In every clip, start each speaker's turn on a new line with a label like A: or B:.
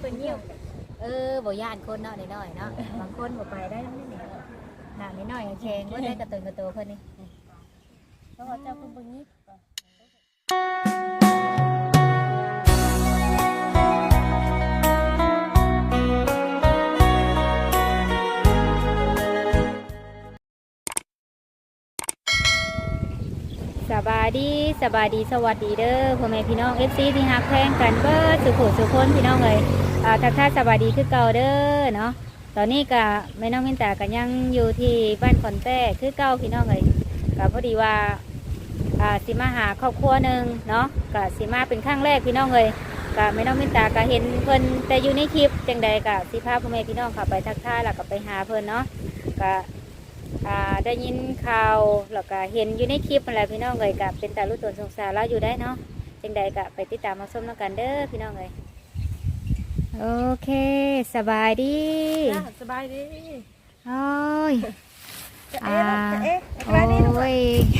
A: พิ่นเงียบบ่ย่านคนเนาะน้อยๆเนาะบางคนบ่ไปได้นี่หน้าน้อยๆแข็งบ่ได้กระตุนกระโตเพิ่นนี่เพราะว่าเจ้าเพิ่นบ่ยิบสบายดีสวัสดีเด้อพ่อแม่พี่น้อง FC ที่ฮักแพงกันเบิดสุขสุขคนพี่น้องเลยทักทายสบายดีคือเก่าเด้อเนาะตอนนี้ก็แม่น้องมินตาก็ยังอยู่ที่บ้านขอนแต้คือเก่าพี่น้องเลยก็พอดีว่าสิมาหาครอบครัวหนึ่งเนาะก็สิมาเป็นครั้งแรกพี่น้องเลยก็แม่น้องมินตาก็เห็นเพิ่นแต่อยู่ในคลิปจังใดก็สิพาพ่อแม่พี่น้องเข้าไปทักทายแล้วก็ไปหาเพิ่นเนาะก็ได้ยินข่าวแล้วก็เห็นอยู่ในคลิปอะไรพี่น้องเลยกับเป็นตาลูกตนสงสารเราอยู่ได้เนาะจังใดก็ไปติดตามมาชมแล้วกันเด้อพี่น้องเลยโอเคสบายดี
B: สบายดี
A: โอ้ย
B: โอ้
A: ย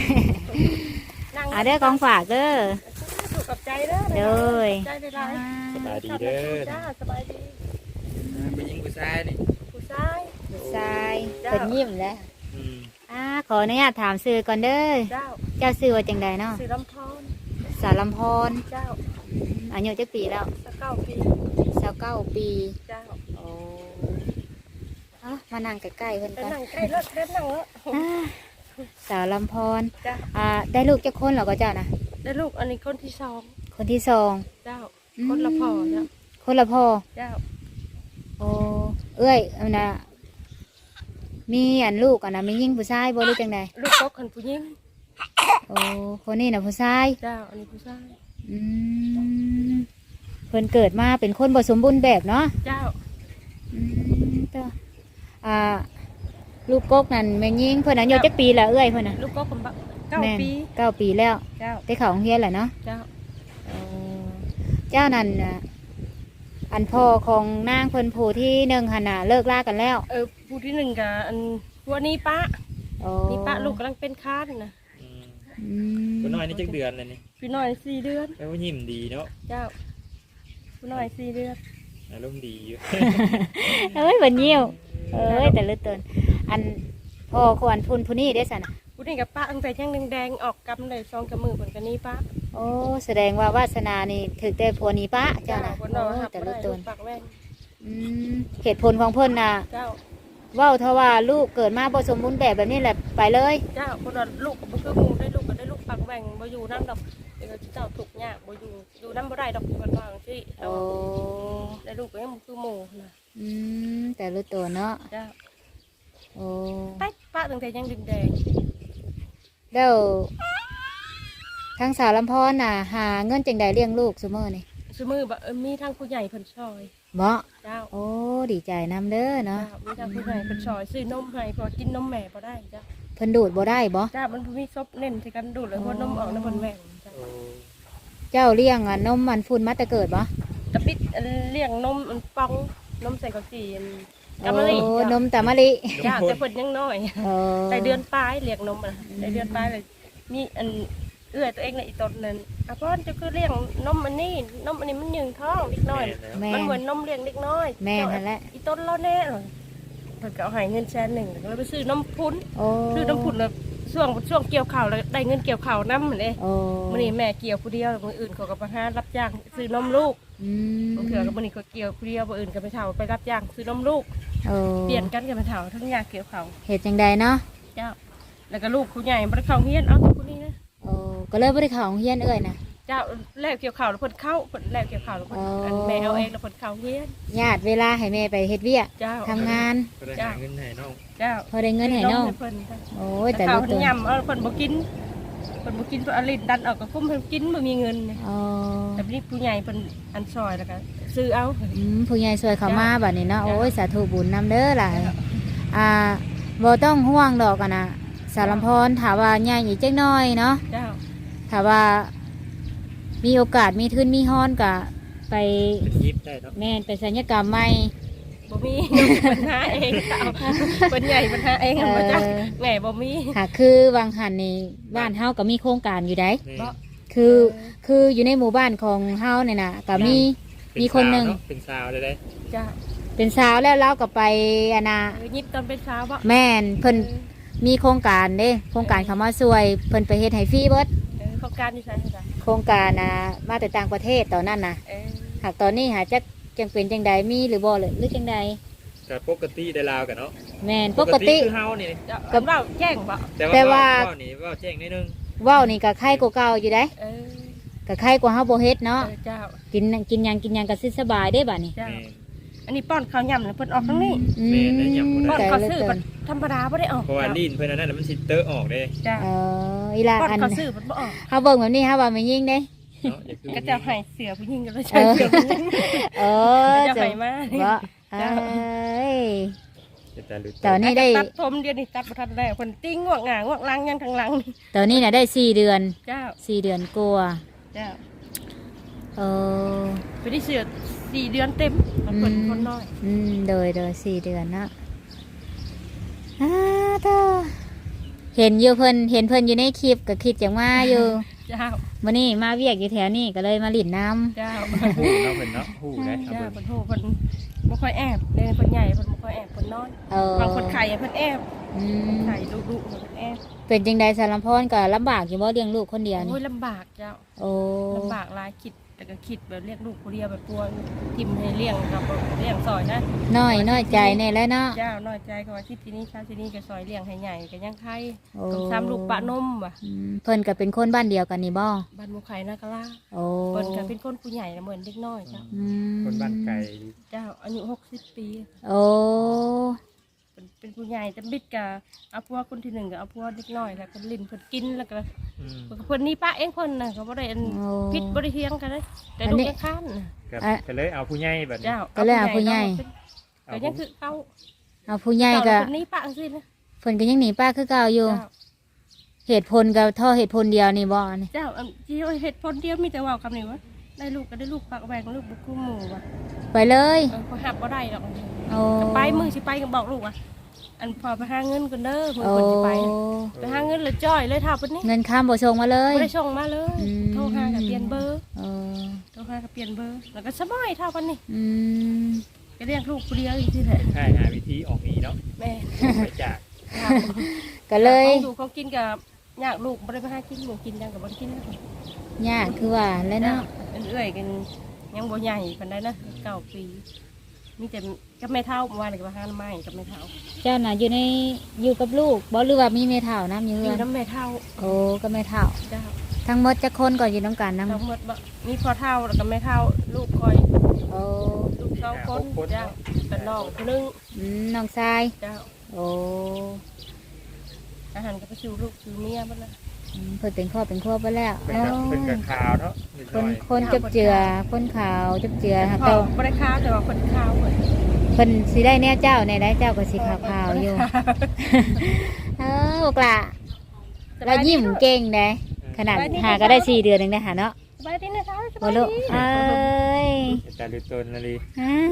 A: เด้อกองฝากเด้อ
B: ถูกกับใจเด้อใจได้ไร
C: สบายดีเด้อ
B: จ้าสบายดี
C: ไปยิงผู้ชายนี่
B: ผู้ชาย
A: เป็นยิ้มแล้วขออนุญาตถามซื้อก่อนเด้อเจ้าซื้อว่าจังใดเนาะ
B: ซื้อลำพร
A: สาลำพร
B: เจ้า
A: อายุจักปีแล้ว
B: 29 ปี
A: เจ้าโอ้มานั่งใกล้ๆเพิ่นกัน
B: นั่งใกล้รถเล่นนั่งแล้ว
A: สาวลำพรได้ลูกจักคนเหรอก็เจ้านะ
B: ได้ลูกอันนี้คนที่สอง
A: เ
B: จ้าคนละพ่อเจ้า
A: คนละพ่อ
B: เจ้า
A: โอ้เอ้ยอันน่ะมีอันลูกอันน่ะมียิ่งผู้ชายบ่รู้จังใด
B: ลูกก็คนผู้หญิง
A: โอ้คนนี้น่ะผู้ชาย
B: เจ้าอันนี้ผู้ชาย
A: เพิ่นเกิดมาเป็นคนบ่สมบูรณ์แบบเนาะ
B: เจ้า
A: ตัวลูกกกนั่นแม่ยิ่งเพิ่นอายุจักปีละเอ้ยเพิ่นน่ะ
B: ลูกก็คน
A: 9 ปีแล้ว
B: เจ้า
A: ได้เข้าโรงเรียนแหละเนาะ
B: เจ้า
A: เจ้านั่นอันพ่อของนางเพิ่นผู้ที่หนึ่งหันน่ะเลิกลากันแล้ว
B: ผู้ที่หนึ่งกับอันวันนี้ป้านี่ป้าลูกกำลังเป็นค้านนะ
C: ผู้น้อยนี่จักเดือนเลยนี่
B: ผู้น้อย4 เดือน
C: แปลว่ายิ้มดีเนาะ
B: เจ้าผู้น้อย4 เดือน
C: อารมณ์ดีอยู่
A: บันเยี่ยวแต่เลือดเตือนอันพ่อควรพูนผู้นี้ได้สัน
B: ผู้นี้กับป้าตั้งแต่ยังแดงออกกำเลยซองกับมือเหมือนกันนี่ป้า
A: โอ้แสดงว่าวาสนานี่ถือแต่ผัวนี้ป้าเจ้านะ
B: แต่เลือดเตือน
A: เหตุผลของเพิ่นน่ะว่าเท่าว่าลูกเกิดมาผสมบูรณ์แบบนี้แหละไปเลย
B: เจ้าคนว่าลูกกับคือมูได้ลูกก็ได้ลูกปักแบ่งบ่อยู่น้ำดอกเดี๋ยวเจ้าถูกเนี่ยบ่อยู่น้ำบ่ได้ดอกคนวางที่ได้ลูกก็ยังคือหมูนะ
A: แต่รู้ตัวเนาะ
B: เจ้า
A: โอ้
B: ป้าตั้งแต่ยังแดง
A: เดี๋ยวทางสาวลำพอนน่ะหาเงินจังใดเลี้ยงลูกซุมื้อนี่
B: ซุมื้อบ่มีทางผู้ใหญ่เพิ่นช่วย
A: บ่
B: เจ้า
A: โอ้ดีใจนำเด้อเนาะ
B: มีทางผู้ใหญ่เพิ่นช่วยซื้อนมให้พอกินนมแม่บ่ได้จ้า
A: เพิ่นดูดบ่ได้บ่
B: จ้ามันมีซบเน้นที่กันดูดเลยเพราะนมออกน้ำเพิ่นแม่
A: เจ้าเลี้ยงนมมันฝุ่นมาแต่เกิดบ่
B: จะปิดเลี้ยงนมมันปองนมใส่ข้าวจี่กำมะลิ
A: นมตะมะลิ
B: จ้าแต่เพิ่นยังน้อยแต่เดือนปลายเลี้ยงนมอ่ะในเดือนปลายเลยมีอันตัวเองในอีต้นนั้นเพราะจะคือเลี้ยงนมอันนี้มันยืงท้องเล็กน้อยมันเหมือนนมเลี้ยงเล็กน้อย
A: แม่นั่นแหละ
B: อีต้นเราแน่เลยเพิ่นก็เอาให้เงิน100,000แล้วไปซื้อน้ำพุ้นซื้อน้ำพุ้นแล้วช่วงเกี่ยวข้าวแล้วได้เงินเกี่ยวข้าวน้ำเหมือนเด้มื้อนี้แม่เกี่ยวผู้เดียวมื้ออื่นเขาก็ไปหารับจ้างซื้อนมลูกบางเทื่อก็มื้อนี้ก็เกี่ยวผู้เดียวมื้ออื่นก็ไปเฒ่าไปรับจ้างซื้อนมลูกเปลี่ยนกันกับไปเฒ่าทั้งยาเกี่ยวข้าว
A: เฮ็ดจังใดเนาะ
B: เจ้าแล้วก็ลูกผู้ใหญ่บ่ได้เข้าเรียนเอาแต่ผู้นี้นะ
A: ก็เลยบ่ได้เข้าโรงเรียนเอ้ยนะ
B: เจ้าแล้วเกี่ยวข้าวแล้วเพิ่นเข้าเพิ่นแล้วเกี่ยวข้าวแล้วเพิ่นแม่เอาเองแล้วเพิ่นเข้าเรียน
A: ญาติเวลาให้แม่ไปเฮ็ดเวียกทำงาน
C: เจ้าเงินให้น้อง
B: เจ้า
A: พอได้เงินให้น้องโอ้ยแต่
B: ลูกตัวย่ำเพิ่นบ่กินเพิ่นเอาลิ้นดันออกก็คุ้มเพิ่นกินบ่มีเงินแต่นี่ผู้ใหญ่เพิ่นอันซอยแล้วก็ซื้อเอา
A: ผู้ใหญ่ช่วยเขามาบัดนี้เนาะโอ้ยสาธุบุญนำเด้อหลายบ่ต้องห่วงดอกกันนะสารลำพรถามว่าใหญ่อีกจักหน่อยเนาะถามว่ามีโอกาสมีทุนมีฮ้อนกะไป
C: ยิบได้เนาะ
A: แม่ไปศัลยกรรมใหม่
B: บ่มีปัญหาเองเป็นใหญ่ปัญหาเองบ่จักแม่บ่มี
A: ค่ะคือวางหันในบ้านเฮาก็มีโครงการอยู่ได้คืออยู่ในหมู่บ้านของเฮาเนี่ยนะก็มีมีคนหนึ่ง
C: เป็นสาวเลยได้
B: จ้า
A: เป็นสาวแล้วเราก็ไปอันน่ะ
B: ยิบตอนเป็นสาวบ่
A: แม่นเพิ่นมีโครงการเด้โครงการเขามาช่วยเพิ่นไปเฮ็ดให้ฟรีเบิด
B: โครงการที่ใช่จ้ะ
A: โครงการน่ะมาแต่ต่างประเทศตอนนั้นน่ะหากตอนนี้หาจักจังเป็นจังใดมีหรือบ่เลยหรือจังใด
C: ก็ปกติได้ลาวกันเนาะ
A: แม่นปกติ
C: คือเฮานี่
B: กับเราแจ้งบ่
A: แต่ว่า
C: เว้นี่เว้าแจ้งนิดนึง
A: เว้านี่ก็ไข้กว่าเก่าอยู่ได้ก็ไข้กว่าเฮาบ่เฮ็ดเนาะ
B: เจ้า
A: กินหยังก็สิสบายได้บัดนี้
B: เจ้า
C: แม่น
B: อันนี้ป้อนข้าวย่ำแล้วเพิ่นออกทั้งนี้
A: อืม
C: แม่ได้หยังบ่
B: ป้อน
C: ได้
B: ข้าวซื้อแบบธรรมดาบ่ได้ออก
C: เพราะว่าลิ้นเพิ่นอันนั้นนะมันสิเตอะออกเด้
B: จ้า
A: อีหล่ะ
B: ป้อน
A: อัน
B: ข้าวซื้อมันบ่ออก
A: เฮาเบิ่งแบบนี้เฮาว่าไม่ยิ่งเด้
C: เนาะอย่าคือ
B: ก็จะให้เสือผู้หญิงก็เลยใช้เสือผู้หญิง
A: เออ
B: จะให้มา
A: บ่เอ้ย
C: จะรู้
A: ตอนนี้ได้
B: ตัดผมเดี๋ยวนี้ตัดบ่ทันได้คนติ้งงวกหงางวกลังยังทางหลังนี่
A: ตอนนี้น่ะได้4 เดือน
B: เจ้า
A: 4 เดือนกว่า
B: เจ้า
A: เออ
B: ไปได้เสือ4 เดือนเต็มมันคนคนน้อย
A: โดย4 เดือนเนาะเธอเห็นอยู่เพิ่นอยู่ในคลิปก็คิดจังว่าอยู่
B: เจ้า
A: มื้อนี้มาเวียกอยู่แถวนี้ก็เลยมาหลินน้ำ
B: เจ้า
C: ฮู้เนาะเพิ่นเนาะฮู้ได้เอา
B: เจ้า
C: เบิ่ง
B: เพิ่นโหเพิ่นบ่ค่อยแอบเด้เพิ่นใหญ่เพิ่นบ่ค่อยแอบเพิ่นน้อย
A: เออบ
B: างคนไข่เพิ่นแอบ
A: อืม
B: ไข่ดุๆเพิ่นแอบ
A: เป็นจังใดสารพรก็ลำบากอยู่บ่เลี้ยงลูกคนเดียวนี่
B: โอ้ยลำบากเจ้า
A: โอ้
B: ลำบากหลายคิดแต่ก็คิดแบบเรียกลูกผู้เดียวแบบตัวทิมให้เลี้ยงกับเลี้ยงซอยนะ
A: น้อยใจแน่แล้วเนาะ
B: เจ้าน้อยใจก็ว่าที่ที่นี่ชาที่นี่ก็ซอยเลี้ยงให้ใหญ่ก็ยังไข่
A: โอ้
B: ต้องซ้ำลูกปะนมว่ะ
A: เพิ่นก็เป็นคนบ้านเดียวกันนี่บ่
B: บ้านหมูไข่นากะลา
A: โอ้
B: เพิ่นก็เป็นคนผู้ใหญ่นะเหมือนเด็กน้อยเจ้า
A: อืม
C: คนบ้านไกล
B: เจ้าอายุ60 ปี
A: โอ้
B: เป็นผู้ใหญ่แต่บิดกับเอาพวกคนที่หนึ่งกับเอาพวกเด็กน้อยแล้วก็ลิ้นเพิ่นกินแล้วก็
C: อืม
B: เพิ่นนี่ป้าเองเพิ่นน่ะเขาบ่ได้อันพิษบ่ได้เทียงกันเลยแต่ลูกยังค้านน่ะ
C: ก็เลยเอาผู้ใหญ่บัดนี้
B: เจ้า
A: ก็เลยเอาผู้ใหญ่
B: ก็ยังคือเขา
A: เอาผู้ใหญ่ก็
B: คนนี้ป้าสินะ
A: เพิ่นก็ยังหนีป้าคือเก่าอยู่
B: เจ้า
A: เหตุผลก็เท่าเหตุผลเดียวนี่บ่นี่
B: เจ้าที่เหตุผลเดียวมีแต่เว่าคำนี้ว่าได้ลูกก็ได้ลูกปากแหวงลูกบุกคู่หมู่ว่ะ
A: ไปเลย
B: เขาหับก็ได้หรอก
A: โอ้
B: ก็ไปมือสิไปก็บอกลูกว่าอันพอไปหาเงินกันเด้อมือ
A: โอ้
B: คนสิไปไปหาเงินเลยจ้อยเลยท่าปุ่นนี้
A: เงินข้ามบ่ส่งมาเลย
B: ไม่ได้ส่งมาเลย
A: อืม
B: โทรหากับเปลี่ยนเบอร์
A: เออ
B: โทรหากับเปลี่ยนเบอร์แล้วก็สบายท่าปุ่นนี้
A: อืม
B: ก็เรียกลูกคนเดียวอีกที่แหละ
C: ใช่หาวิธีออกหนีเนาะ
B: แม่
C: ไปจาก
A: ก็เลย
B: ดูเขากินกับอยากลูกไม่ได้ไปหากินหมูกินยังกับบ่ได้กินนะ
A: ยากคือว่าแล้วเนาะ
B: เอื่อยกันยังบ่ใหญ่ปานใดนะ9 ปีมีแต่กับแม่เท่าเมื่อวานนี่ก็มาหาไม้กับแม่เท่า
A: เจ้าน่ะอยู่กับลูกบ่หรือว่ามีแม่เฒ่านํอยู่
B: มี
A: เฮือน
B: น้ำแม่เท่า
A: โอ้ก็แม่เฒ่า
B: เจ้า
A: ทั้งหมดจักคนก็อยู่นํกันนํ
B: ทั้งหมดบ่มีพ่อเท่าแล้วก็แม่เท่าลูกคอย
A: โอ้
B: ลูก2 คนเจ้าเป็นน้องคนนึง
A: น้องชาย
B: เจ้า
A: โอ้
B: อาหารก็ไปชูลูกชูเมียบ้านละ
A: เพิ่นเป็นครอบเป็นครัวไปแล้ว
C: เป็นกับข่าวเนาะนิดห
A: ค
C: น่
A: น
C: อย
A: คนจับเจือคนขาวจับเจือค่ะ
B: พ่อ
A: เจ้า
B: บ่ได้ข้าวแต่ว่าคนข้าวเหมือน
A: เพิ่นสิได้แน่เจ้าในได้เจ้าก็สิขาวๆอยู่เออบอกล่ะเรายิ้มเก่งเด้ขนาดหาก็ได้4 เดือนนึงได้หาเนาะ
B: สบายดีนะคะส
A: บ่
B: บาย
A: ลูก
B: ดี
A: เอ้ย
C: จะรู้ตนนาลี
A: ฮะ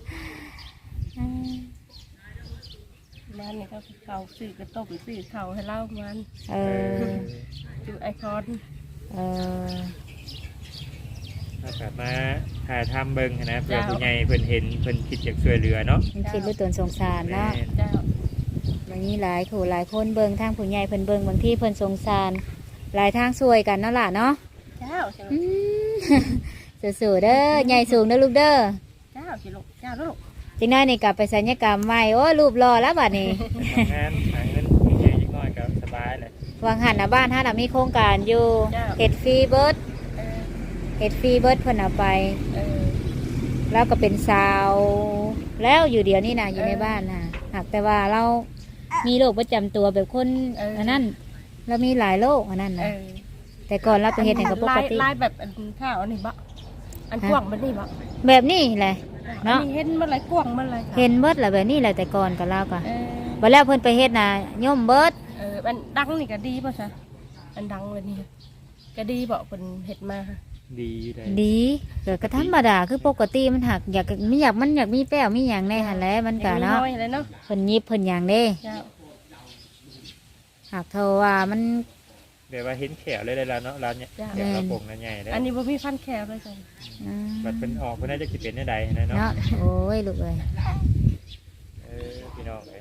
B: บ้านนี่ก็เขาซื้อกระต้มซื้อเขาให้เล่ามัน
A: เออ
B: ดูไอคอน
A: เออ
C: ถ้ากลับมาถ่ายทำเบิ่งนะเพื่อผู้ใหญ่เพิ่นเห็นเพิ่นคิดอยากช่วยเหลือเนาะ
A: มันคิดด้วยตนสงสารเนาะ
B: เจ้า
A: วันนี้หลายขู่หลายคนเบิ่งทางผู้ใหญ่เพิ่นเบิ่งบางที่เพิ่นสงสารหลายทางช่วยกันเนาะล่ะเนาะ
B: เจ้าใช่ไหม
A: อืม สู้ๆเด้อใหญ่สูงเด้อลูกเด้อ
B: เจ้าสิลูกเจ้าลูก
A: จังน้อยนี่กลับไปศัลยกรรมใหม่โอ้รูปหล่อแล้วบัดนี้
C: ทำงานหาเงินผู้ใหญ่ยิ่งน้อยก็สบายเลย
A: วางหันหน้าบ้านถ้าเรามีโครงการอยู่เฮ็ดฟรีเบิร์ด
B: เออ
A: เฮ็ดฟรีเบิร์ดเพิ่นเอาไป
B: เออ
A: แล้วก็เป็นสาว แล้วอยู่เดียวนี่นะอยู่ในบ้านนะหากแต่ว่าเรามีโรคประจำตัวแบบคนอันนั้นเรามีหลายโรคอันนั้น
B: เอ
A: นะ
B: อ
A: แต่ก่อนเราไปเฮ็ดให้กับปกติ
B: ลายแบบอันข้าวอันนี้บะอันกว้างมันนี่บะ
A: แบบนี้แหละ เนาะ
B: อัเห็นมันไรกว้างมันไร
A: เห็นเบิดแหละแบบนี้แหละแต่ก่อนก็เราก็
B: เออ
A: บัดแล้วเพิ่นไปเฮ็ดน่ะย่อมเบิด
B: อันดังนี่ก็ดีป่ะจ๊ะอันดังเลยนี่ก็ดีบอกเป็นเห็ดมา
C: ดีอยู่เลย
A: ดีก็ธรรมดาคือปกติมันหักอยากมันอยากมีแป้วมีหยังในหั่นแหละมันก็เนาะ
B: อยเลยเนาะ
A: เพิ่นยิบเพิ่นหยังเด้
B: เจ้า
A: หากเท่าว่ามัน
C: แบบว่าเห็นแขวเลยแล้วเนาะร้านเนี่ยแขวกระโปรงนั่นใหญ่เลย
B: อันนี้บ่มีฟันแขวเลยจ้ะ
C: บัดเป็นออกเพิ่นน่าจะสิเป็นได้ใดนะเนาะ
A: เนาะโอ้ยลูกเอ้ย
C: พี่น้องเอ้ย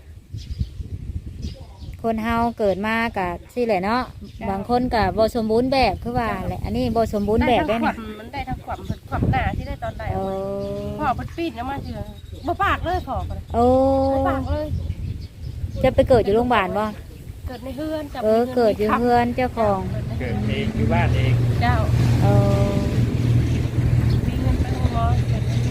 A: คนเฮาเกิดมากับสิแหละเนาะบางคนกับบ่สมบูรณ์แบบคือว่าแหละอันนี้บ่สมบูรณ์แบบได้
B: ได้
A: นี่
B: มันได้ทั้งความหนาที่ได้ตอนไหน
A: โอ้
B: พ่อเพิ่นปีนมาเถื่อบ่ปากเลยพ่อเพิ่น
A: โอ้
B: บ่ปากเลย
A: จะไปเกิดอยู่โรงพยาบาลบ่
B: เกิดในเฮือนกับ
A: เกิดอยู่เพื่อนเจ้าของ
C: เกิดเองอยู่บ้านเอง
B: เจ้า
A: เออ
B: มีเงินไปโรงหมอเกิดในเฮือน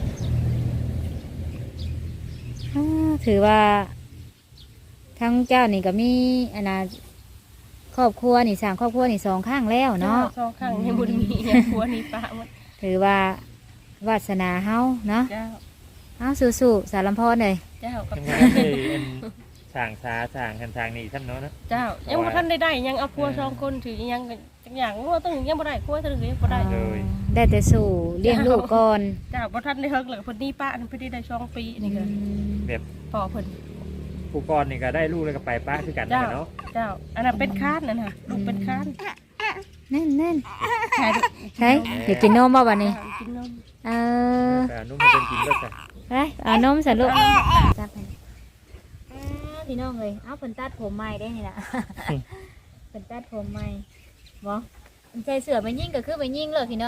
A: ถือว่าทั้งเจ้านี่ก็มีอันน่ะครอบครัวนี่สร้างครอบครัวนี่สองข้างแล้วเนาะ
B: สองข้างยังบ่ได้มีอย่างผัวนี่ป้าหมด
A: ถือว่าวาสนาเฮาเนาะ
B: เจ้า
A: เฮาสู้ๆสารลำพรเลย
B: เจ้ากับ
C: ทำงานได้อันสร้างสาสร้างกันทางนี้ท่านเนาะนะ
B: เจ้ายังบ่ทันได้ยังเอาผัวสองคนถือยังจักอย่างว่าต้องยังบ่ได้ผัวต้องยังบ่ได้
A: ได้แต่สู้เลี้ยงลูกก่อน
B: เจ้าบ่ทันได้เฮิกเลยเพิ่นนี่ป้าอันเพิ่นได้2 ปีนี่ก็
C: แบบ
B: พ่อเพิ่น
C: ผู้กรนี่ก็ได้ลูกแล้วก็ไปป้าคือกัน
B: เจ้า
C: เนาะ
B: เจ้าอันนั้นเป็นค้านนั่นน่ะลูกเป็นค้าน
A: แน่น
B: ใช่
A: ๆใช่เดี๋ยวกินนมบ่บัดนี้
B: กินนม
A: เออ
C: แต่นุ่มมาเป็นกินก็จะ
A: ไปเอานมใส่ลูกจับให้พี่น้องเลยเอาเพิ่นตัดผมใหม่ได้นี่ล่ะเพิ่นตัดผมใหม่บ่ใจเสือไปยิ่งก็คือไปยิ่งเลยพี่น้อง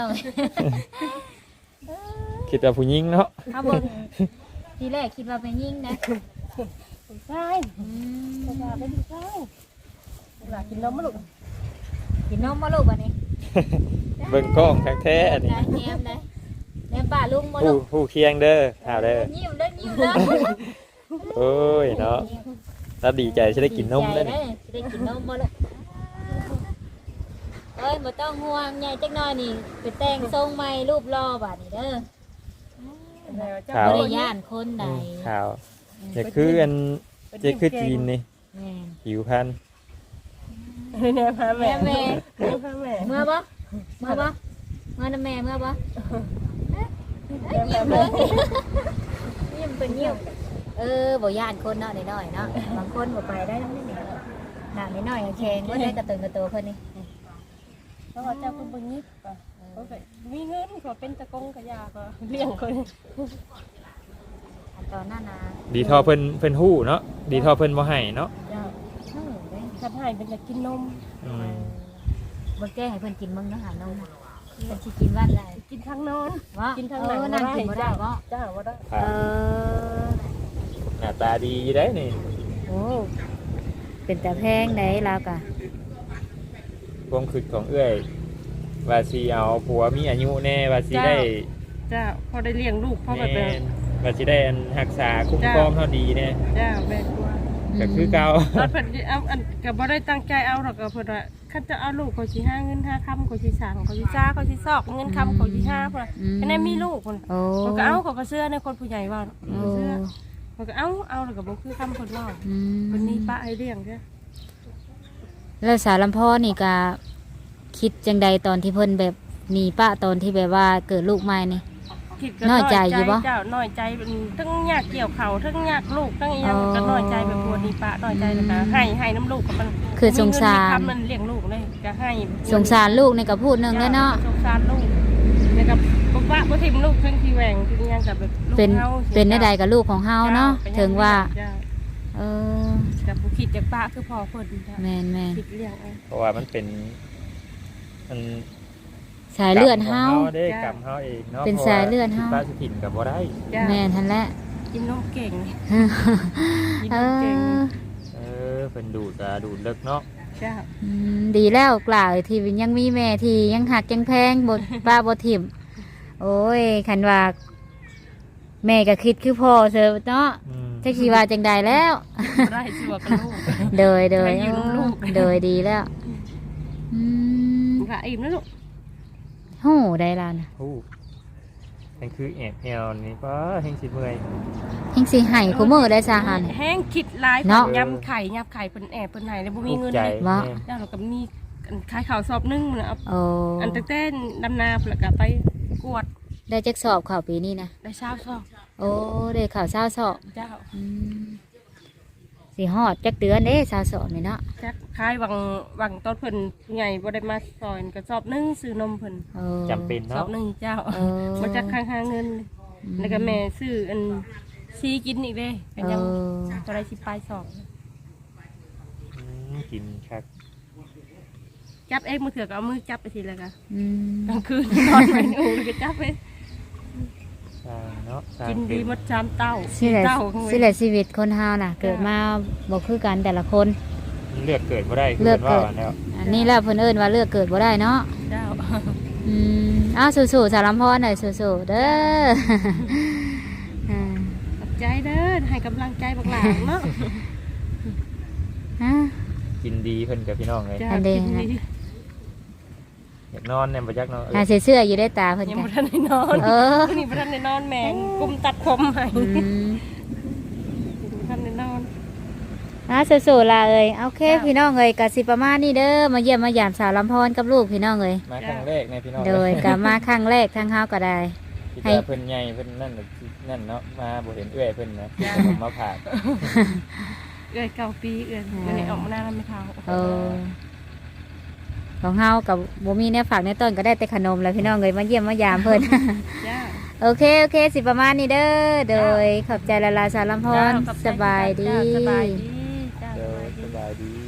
C: คิดว่าผู้หญิงเนาะ
A: เอาเบิ่งทีแรกคิดว่าไปยิ่งนะ
B: ผู้ชายผู้ชายเป็นผู้ชายหลานกินนมมั้ยลูก
A: กินนมมาลูกวันนี้
C: เบิ่งกล้องแท้ๆอันนี้
A: ได้แนมได้แนมป่าลุงมาลูก
C: ผู้เคียงเด้อข่าวเด้อ
A: ยิ้มเด้อยิ้มเด้อ
C: โอ้ยเนาะแล้วดีใจจะได้กินนมได้
A: ได้
C: นี่
A: จะได้กินนมมาลูกเอ้ยบ่ต้องห่วงใหญ่จักหน่อยนี่ไปแต่งทรงใหม่รูปรอบาดนี้เด้อ
C: ข่าว
A: บ่ได้ย่านคนใด
C: ข่าวจะคืออันจะคือจีนนี่
A: แม่น
C: ผิวพันธุ์
B: แม่พาแม่
A: แม่
B: พาแม่
A: เมื่อบ่เมื่อบ่เมื่อนำแม่เมื่อบ่ยิ้มเลยยิ้มเป็นยิ้มบ่ย่านคนเนาะน้อยๆเนาะบางคนบ่ไปได้นำนี่หน้าน้อยๆแข็งบ่ได้กระตือกระโตเพิ่นนี่
B: เพราะว่าเจ้าเพิ่นบ่ยิบก็มีเงินก็เป็นตะกงกะยาก็เลี้ยงคน
A: อันตอนนั้นนะ
C: ดีทอเพิ่นฮู้เนาะดีทอเพิ่นบ่ให้เนาะ
B: เจ้าทำให้เป็นอยากกินนม
C: อืม
A: บ่แก้ให้เพิ่นกินมึงเนาะหานมเพิ่นสิกินวันได้
B: กินทั้งนอน
A: ว่า
B: กินทั้งหนัง
A: นั่งกินบ่ได้บ่
B: เจ้าบ่ได้
A: เออ
C: หน้าตาดีอยู่ได้นี่
A: โอ้เป็นตาแพงได้แล้วก็
C: ความคิดของเอื้อยว่าสิเอาผัวมีอายุแน่ว่าสิได้
B: เจ้าพอได้เลี้ยงลูกพอแบบ
C: แม่นว่าสิได้อันรักษาคุ้มครองเท่าดีแน่
B: เจ้าแม่กลัว
C: ก็คือเก่า
B: ตอนเพิ่นเอาอันก็บ่ได้ตั้งใจเอาหรอกก็เพิ่นว่าคันจะเอาลูกเขาสิหาเงินหาคำเขาสิสร้างเขาสิจ้าเขาสิซอกเงินคำเขาสิหาเพิ่นอันนั้นมีลูกเพิ่น
A: โอ้
B: เขาก็เอาเขาก็เชื่อในคนผู้ใหญ่ว่า
A: โอ้
B: เชื่อเขาก็เอาแล้วก็บ่คือคำเพิ่นว่า
A: อืม
B: เพิ่นมีป้าให้เลี้ยงเด้อ
A: แล้วสารลำพ่อนี่ก็คิดจังใดตอนที่เพิ่นแบบมีป้าตอนที่แบบว่าเกิดลูกใหม่นี่
B: คิดก็
A: น้อยใจอยู่บ่
B: เจ้าน้อยใจเป็นทั้งยากเกี่ยวเขาทั้งยากลูกทั้งอีหยังก็น้อยใจแบบพวกนี้ป้าน้อยใจแล้วก็ให้น้ำลูกกับมัน
A: คือสงสาร
B: มีเงินมีคำมันเลี้ยงลูกเลยก็ให้
A: สงสารลูกนี่ก็พูดหนึงแล้วเนาะ
B: สงสารลูกแล้วก็บอกว่าบ่ทิมลูกทั้งที่แหวงที่ยังกับแบบลูก
A: เป็น
B: เฮา
A: เป็นได้ใดกับลูกของเฮาเนาะถึงว่า
B: เจ้
A: เออ
B: กับผู้คิดจากป้าคือพ่อเพิ่นจ้ะ
A: แม่นแม่น
B: คิดเลี้ยงเอา
C: เพราะว่ามันเป็นมัน
A: สายเลือดเฮา
C: กรรมของเด้กรรมเฮาเองเนาะ
A: เป็นสายเลือดเฮา
C: พระสิถิ่นกับบ่ได้
B: จ้ะ
A: แม่นทันแหละ
B: กินนมเก่งกิน
A: เอน
B: มเก่ง
A: อ
C: เพิ่นดูดก็ดูดเลิกเนาะ
B: จ้า
A: ดีแล้วกล่าวที่ยังมีแม่ที่ยังหักยังแพงบทป้าบทถิ่มโอ้ยคันว่าแม่ก็คิดคือพ่อเธอเนาะ
C: อืม
A: จักสิว่าจังใดแล้ว
B: บ่ได้สิว่ากับลูก
A: โดย
B: ให้อยู่นำลูก
A: โดยดีแล้วอืม
B: ว่าอิ่มแล้วลูก
A: โหได้แล้วนะ
C: ฮู้นั่นคือแอบแอวนี่ป้าแห่งสิเมื่อย
A: เฮงสิให้คู่มือได้สาหัน
B: แห้งคิดหลาย
A: เนาะ
B: ยำไข่เพิ่นแอบเพิ่นให้แล้วบ่มีเงิน
C: ใจ
B: เลย
A: ว่า
C: แม่
B: แล้วเราก็มีอันขายข้าวสอบหนึงน่ะเอา
A: โอ้
B: อันตั้งแต่ดำนาแล้วก็ไปกวด
A: ได้จักสอบข่าวปีนี้นะ
B: ได้เช้าสอบ
A: โอ้ได้ข่าวเศร้าสอบ
B: เจ้า
A: อืมสิฮอดจักเดือนเด้สาวสอนนี่เนาะ
B: จักคายวังต้นเพิ่นผู้ใหญ่บ่ได้มาซอยก็สอบหนึงซื้อนมเพิ่น
A: เออ
C: จำเป็น
B: สอ
C: เนาะ
B: บหนึงเจ้า
A: เออ
B: บ่จักค้างหาเงิน แล้วก็แม่ซื้ออันซีกินอีกเด้ก็ยังบ่ได้สิปลายสอง
C: กินครับ
B: จับเองมือเถื่อก็เอามือจับไปทีแล้วก็
A: อืม
B: กลางคืนนอนไม่อูแล้วก็จับไป
C: สร้างเนาะสร้าง
B: กิน
C: เป็
B: ดีหมดชามเต้า
A: สิแหละ
B: เต้า
A: สิแหละชีวิตคนเฮาน่ะ เกิดมาบ่คือกันแต่ละคน
C: เลือกเกิดบ่ได้คือ
A: เลือก
C: เพิ่น
A: เกิ
C: ว่า
A: ด
C: แล้ว
A: อันนี้แหละเพิ่นเอิ้นว่าเลือกเกิดบ่ได้เนาะ
B: เจ้า
A: อืมอ้าวสู้ๆสารลำพรหน่อยสู้ๆเด้อ อ่า
B: ขอบใจเด้อให้กำลังใจบักหลานเนาะ
A: ฮะ
C: กินดีเพิ่นกับพี่น้องเลย
B: จ้า
A: อันเด้
B: กินดี
C: อยากนอนเนี่ยบ่จักเนาะ
A: หาเสื้ออยู่ได้ตาเพิ่น
B: ยัง
A: กั
B: บ่
A: น
B: ทันได้นอน
A: เออ
B: วันนี้บ่ทันได้นอนแมงกุมตัดผมให้
A: อืม
B: บ่ทันได้นอน
A: สู้ๆล่ะเอ้ยโอเคพี่น้องเอ้ยก็สิประมาณนี้เด้อมาเยี่ยมมายามสาวลำพรกับลูกพี่น้องเอ้ย
C: มาครั้งแรกในพี่น้อง
A: โดยก็มาครั้งแรกทางเฮาก็ได้
C: ที่
A: ให้
C: ว่าเพิ่นใหญ่เพิ่นนั่นน่ะนั่นเนาะมาบ่เห็นเอื้อยเพิ่นนะผมมาผ่า
B: เอื้อย9 ปีเอื้อยวันนี้ออกมาหน้าแล้วไม่เท่า
A: เออของเฮากับบ่มีแนวฝากในต้นก็ได้แต่ขนมแล้วพี่น้องเอ้ยมาเยี่ยมมายามเพิ่น
B: จ้า
A: โอเคสิประมาณนี้เด้อโดยขอบใจละลาสาวลำพร
B: จ้ขอบใจ
A: สบายดี
B: จ้สบายดีจ้า
C: เดี๋ยว
B: สบายดี
C: สบายดี